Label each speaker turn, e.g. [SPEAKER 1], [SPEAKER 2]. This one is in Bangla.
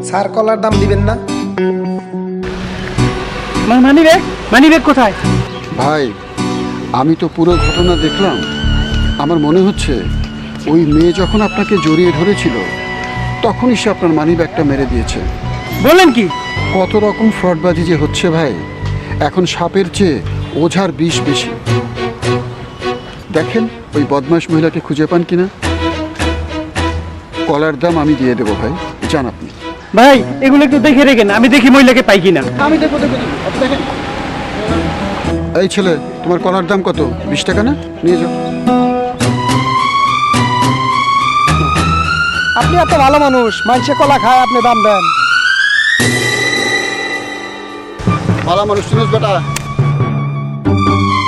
[SPEAKER 1] স্যার কলার দাম দিবেন না?
[SPEAKER 2] মানি ব্যাগ কোথায়?
[SPEAKER 3] ভাই, আমি তো পুরো ঘটনা দেখলাম। আমার মনে হচ্ছে ওই মেয়ে যখন আপনাকে জড়িয়ে ধরেছিল তখনই সে আপনার মানি ব্যাগটা মেরে দিয়েছে।
[SPEAKER 2] বলেন কি?
[SPEAKER 3] কত রকম ফ্রডবাজি যে হচ্ছে ভাই, এখন সাপের চেয়ে ওঝার বিষ বেশি। দেখেন ওই বদমাশ মহিলাকে খুঁজে পান কিনা। কলার দাম আমি দিয়ে দেবো ভাই, যান আপনি।
[SPEAKER 2] ভাই এগুলো একটু দেখে রেখেন, আমি দেখি মহিলাকে পাই কিনা।
[SPEAKER 3] আমি দেখবো দেখেন। এই ছেলে, তোমার কলার দাম কত? 20 টাকা না? নিয়ে যাও।
[SPEAKER 1] আপনি এত ভালো মানুষ, মানুষে কলা খায়, আপনি দাম দেন।
[SPEAKER 3] ভালো মানুষ শুনিস বেটা।